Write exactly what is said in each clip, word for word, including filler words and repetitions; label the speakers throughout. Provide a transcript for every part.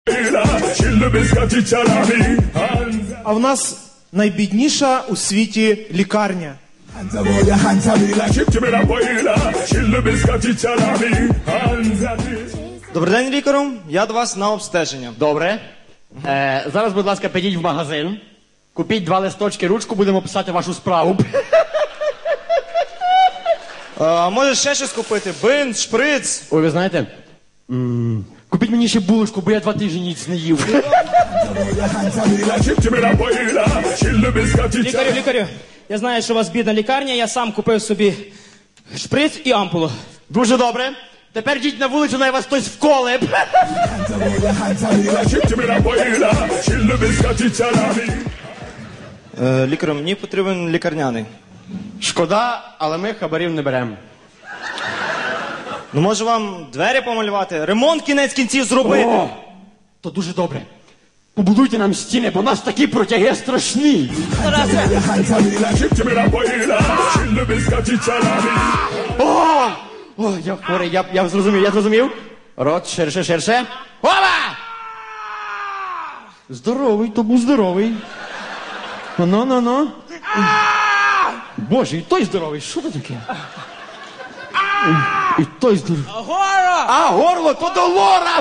Speaker 1: А в нас найбідніша у світі лікарня.
Speaker 2: Добрий день, лікарю. Я до вас на обстеження.
Speaker 3: Добре. Е, зараз, будь ласка, підіть в магазин. Купіть два листочки, ручку, будемо писати вашу справу.
Speaker 2: А, може ще щось купити? Бинт, шприц.
Speaker 3: Ой, ви знаєте, м, купіть мені ще булочку, бо я два тижні ніч не їв.
Speaker 4: Лікарю, лікарю, я знаю, що у вас бідна лікарня, я сам купив собі шприц і ампулу.
Speaker 3: Дуже добре. Тепер йдіть на вулицю, най вас хтось вколе.
Speaker 2: Е, лікарю, мені потрібен лікарняний.
Speaker 3: Шкода, але ми хабарів не беремо.
Speaker 2: Ну, може вам двері помалювати? Ремонт кінець кінців зробити?
Speaker 3: О, то дуже добре. Побудуйте нам стіни, бо у нас такі протяги страшні. О! О, я хворий, я, я зрозумів, я зрозумів. Рот ширше, ширше. Опа! Здоровий, то був здоровий. Ну, ну, ну. Боже, і той здоровий, що це таке? І, і той здоровий.
Speaker 4: Горло!
Speaker 3: А, горло, то до лора!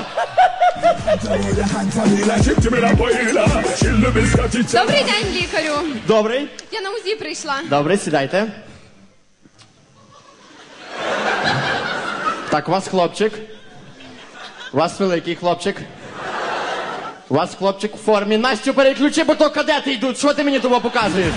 Speaker 5: Добрий день, лікарю.
Speaker 3: Добрий.
Speaker 5: Я на УЗІ прийшла.
Speaker 3: Добре, сідайте. Так, у вас хлопчик. У вас великий хлопчик. У вас хлопчик в формі. Настю, переключи, бо то кадети йдуть. Що ти мені того показуєш?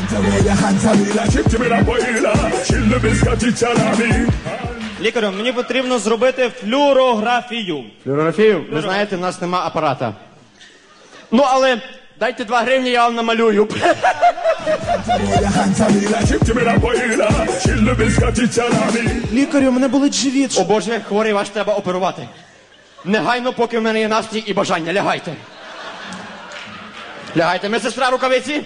Speaker 2: Лікарю, мені потрібно зробити флюорографію.
Speaker 3: Флюорографію? Ви знаєте, в нас нема апарата. Ну, але дайте два гривні, я вам намалюю.
Speaker 1: Лікарю, мене болить живіт.
Speaker 3: О Боже, хворий ваш треба оперувати. Негайно, поки в мене є настрій і бажання. Лягайте. Лягайте. Медсестра, рукавиці.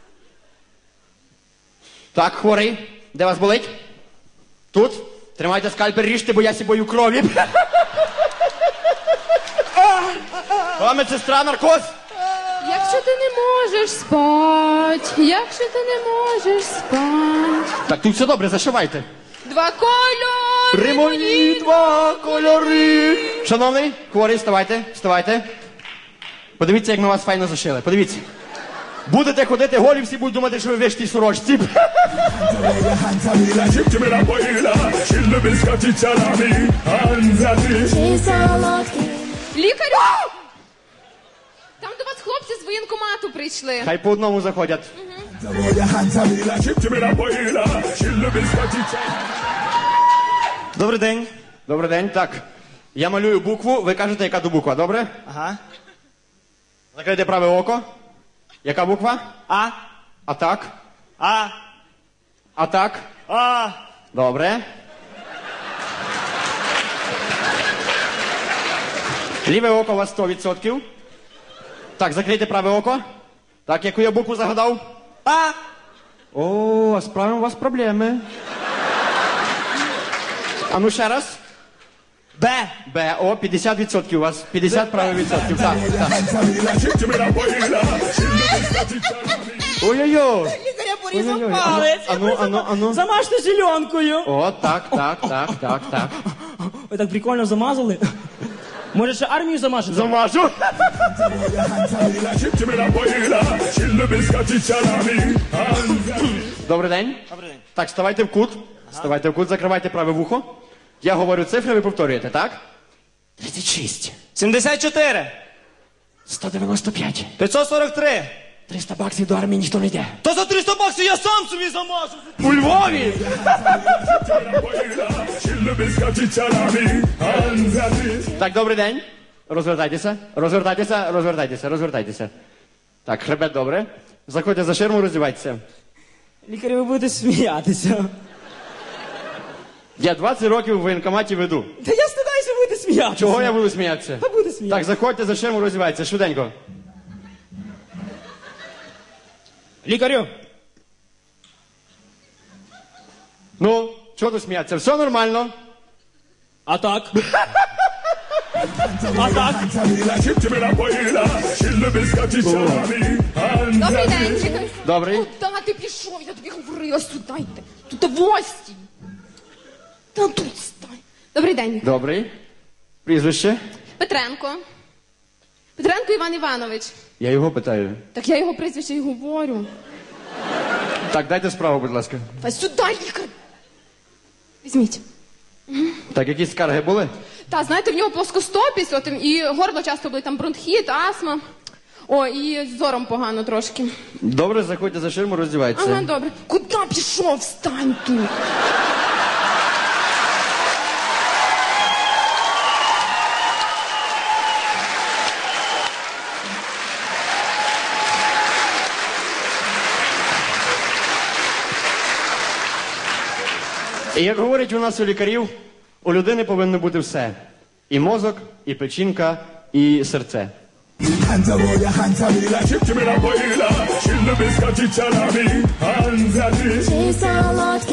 Speaker 3: Так, хворий. Де вас болить? Тут. Тримайте скальпель, ріжте, бо я сі бою крові. О, медсестра, наркоз.
Speaker 5: Якщо ти не можеш спать, якщо ти не можеш спать.
Speaker 3: Так, тут все добре, зашивайте.
Speaker 5: Два кольори.
Speaker 3: Римоні два кольори. Шановний, хворий, вставайте, вставайте. Подивіться, як ми вас файно зашили. Подивіться. Будете ходити голі, всі будуть думати, що ви вишті сорочці.
Speaker 5: Лікарю! Там до вас хлопці з воєнкомату прийшли.
Speaker 3: Хай по одному заходять.
Speaker 2: Добрий день.
Speaker 3: Добрий день, так. Я малюю букву, ви кажете, яка то буква, добре?
Speaker 2: Ага.
Speaker 3: Закрийте праве око. Яка буква?
Speaker 2: А,
Speaker 3: А так.
Speaker 2: а,
Speaker 3: А так.
Speaker 2: а.
Speaker 3: Добре. Ліве око у вас сто відсотків. Так, закрийте праве око. Так, яку я букву загадав?
Speaker 2: А.
Speaker 3: О, а з правим у вас проблеми. А ну ще раз.
Speaker 2: Б.
Speaker 3: Б, о, п'ятдесят відсотків у вас. п'ятдесят правих відсотків, так, так. Ой-ой-ой.
Speaker 4: Лікаря порізав
Speaker 3: Ой-ой-ой.
Speaker 4: палець.
Speaker 3: Ану, ану, ану, ану.
Speaker 4: Замажте зеленкою.
Speaker 3: О, так, так, так, так, так.
Speaker 4: Ви так прикольно замазали. Може ще армію замажете?
Speaker 3: Замажу. Добрий день.
Speaker 2: Добрий день.
Speaker 3: Так, ставайте в кут. Ставайте в кут, закривайте праве вухо. Я говорю цифри, ви повторюєте, так? тридцять шість.
Speaker 2: сімдесят чотири.
Speaker 3: сто дев'яносто п'ять.
Speaker 2: п'ятсот сорок три.
Speaker 3: триста баксів до армії ніхто не йде.
Speaker 2: То за триста баксів я сам собі замажу.
Speaker 3: У Львові! Так, добрий день. Розвертайтеся, розвертайтеся, розвертайтеся, розвертайтеся. Так, хребет добре. Заходьте за ширму, роздівайтеся.
Speaker 4: Лікарі, ви будете сміятися.
Speaker 3: Я двадцять років в воєнкоматі веду.
Speaker 4: Та я стидаюся, ви будете сміятися.
Speaker 3: Чого я буду сміятися?
Speaker 4: Та буде сміятися.
Speaker 3: Так, заходьте за ширму, роздівайтеся, швиденько.
Speaker 4: Лікарю,
Speaker 3: Ну, чого тут сміятися? Все нормально.
Speaker 4: а так? А так?
Speaker 5: Добрий день, чекай.
Speaker 3: Добрий.
Speaker 5: Куда ти пішов? Я тобі говорила, сюди йди. Тут гості. Та тут стань. Добрий день.
Speaker 3: Добрий. Прізвище?
Speaker 5: Петренко. Петренко Іван Іванович.
Speaker 3: Я його питаю.
Speaker 5: Так я його прізвище і говорю.
Speaker 3: Так, дайте справу, будь ласка.
Speaker 5: Та сюди, лікар. Візьміть.
Speaker 3: Так, якісь скарги були?
Speaker 5: Та, знаєте, в нього плоскостопість, от, і горло часто були, там бронхіт, астма. О, і з зором погано трошки.
Speaker 3: Добре, заходьте за ширму, роздівайтеся.
Speaker 5: Ага, добре. Куди пішов? Встань тут.
Speaker 3: І як говорять у нас у лікарів, у людини повинно бути все. І мозок, і печінка, і серце.
Speaker 6: Hands up, oh, your hands up, like chip, chip, and a boiler. Chill the biscuit, chip, salami. Hands at it.
Speaker 7: Chase a lot